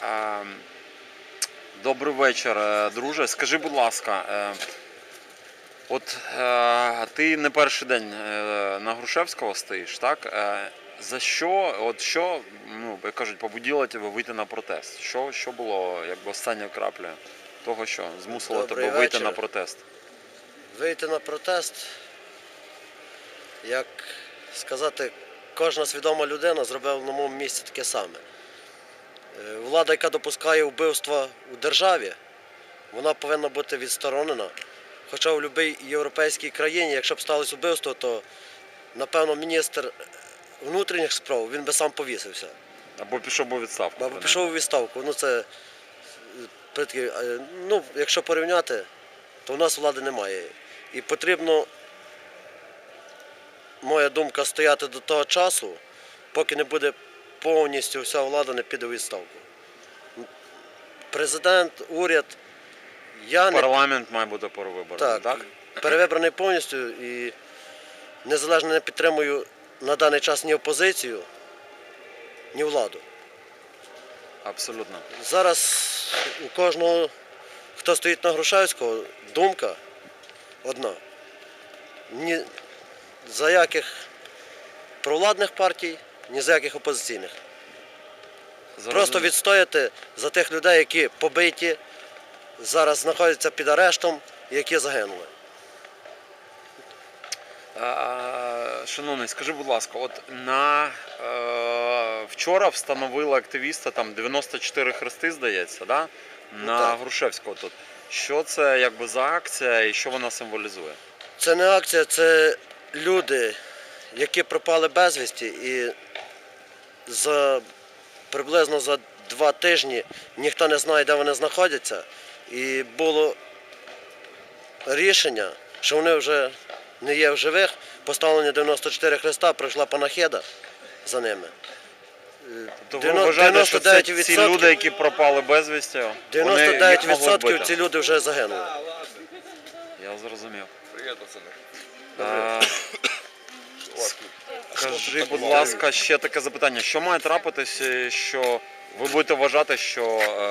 Добрий вечір, друже. Скажи, будь ласка, от ти не перший день на Грушевського стоїш, так? За що, як кажуть, побудило тебе вийти на протест? Що було якби останньою краплею того, що змусило тебе вийти на протест? Вийти на протест, як сказати, кожна свідома людина зробила на моєму місці таке саме. Влада, яка допускає вбивства у державі, вона повинна бути відсторонена. Хоча в будь-якій європейській країні, якщо б сталося вбивство, то, напевно, міністр внутрішніх справ, він би сам повісився. Або пішов у відставку. Або пішов у відставку. Якщо порівняти, то в нас влади немає. І потрібно, моя думка, стояти до того часу, поки не буде повністю вся влада не піде у відставку. Президент, уряд, парламент має бути перевибраний, так? Перевибраний повністю і незалежно не підтримую на даний час ні опозицію, ні владу. Абсолютно. Зараз у кожного, хто стоїть на Грушевського, думка одна. Ні за яких провладних партій, ні за яких опозиційних. Просто відстояти за тих людей, які побиті, зараз знаходяться під арештом і які загинули. Шановний, скажи, будь ласка, от вчора встановили активіста, там 94 хрести, здається, да? На Грушевського тут. Що це якби за акція і що вона символізує? Це не акція, це люди, які пропали безвісті, і приблизно за 2 тижні ніхто не знає, де вони знаходяться. І було рішення, що вони вже не є в живих, поставлені 94 хреста, пройшла панахида за ними. Тобто ви вважаєте, що це ці люди, які пропали безвісті, 99% ці люди вже загинули. Я зрозумів. Привіт, пацани. Скажи, будь ласка, ще таке запитання. Що має трапитися, що ви будете вважати, що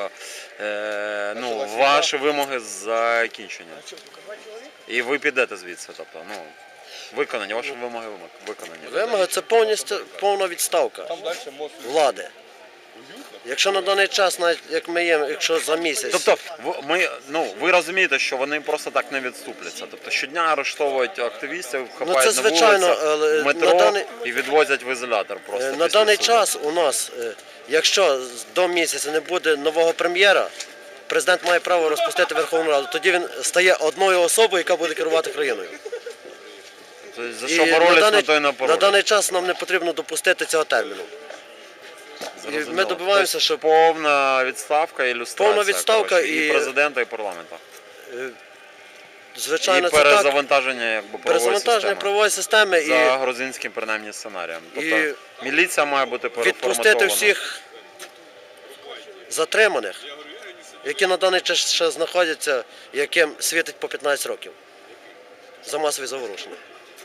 ваші вимоги закінчені? І ви підете звідси, тобто, виконані, ваші вимоги виконані. Вимоги – це повна відставка влади. Якщо на даний час, навіть як ми є, якщо за місяць... Тобто, ви розумієте, що вони просто так не відступляться? Тобто, щодня арештовують активістів, хапають на вулицях, в метро і відвозять в ізолятор просто. На даний час у нас, якщо до місяця не буде нового прем'єра, президент має право розпустити Верховну Раду. Тоді він стає одною особою, яка буде керувати країною. Тобто, за що боролись, на то і не боролись. На даний час нам не потрібно допустити цього терміну. І ми добиваємося, що повна відставка і люстрація. Повна відставка і президента, і парламенту. Звичайно, і перезавантаження правової системи. За грузинським, принаймні, сценарієм. Тобто міліція має бути переформатована. Відпустити всіх затриманих, які на даний час ще знаходяться, яким світить по 15 років за масові заворушення.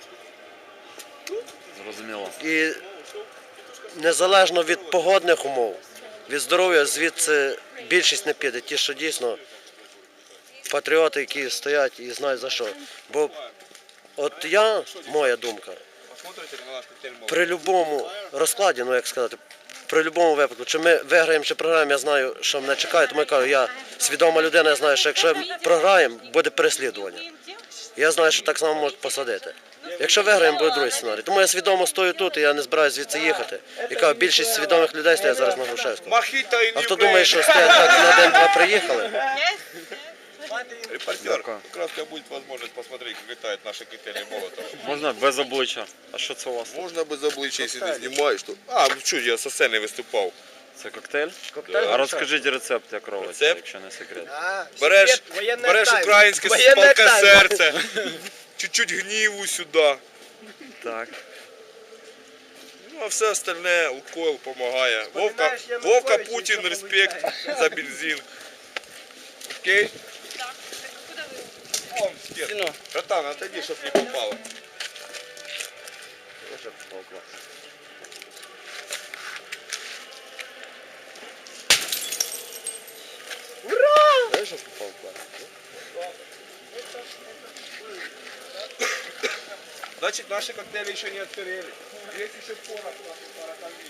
Зрозуміло. І незалежно від погодних умов, від здоров'я, звідси більшість не піде. Ті, що дійсно патріоти, які стоять і знають за що. Бо от моя думка, при будь-якому розкладі, як сказати, при будь-якому випадку, чи ми виграємо, чи програємо, я знаю, що мене чекає, тому я кажу, я свідома людина, я знаю, що якщо програємо, буде переслідування. Я знаю, що так само можуть посадити. Якщо виграємо, буде другий сценарій. Тому я свідомо стою тут, і я не збираюся звідси їхати. Яка більшість свідомих людей стоять зараз на Грушевському. А хто думає, що стоять так на день-два приїхали? Репортер, как раз у тебя будет возможность посмотреть, как летают наши коктейли Молотова. Можна без обличчя? А що це у вас? Можно без обличия, если не снимаешь. Что, я со сцены выступал. Це коктейль? А розкажіть рецепт, як робиться, якщо не секрет. Береш українське палке серце, чуть-чуть гніву сюди. Так. Ну, а все остальне, Лукойл помогає. Вовка Путін, респект за бензин. Окей? Братан, отойди, чтоб не попало. Знаєш, що попав в берег? Значит, наши коктейли еще не отперели. Есть еще порох, пороховник.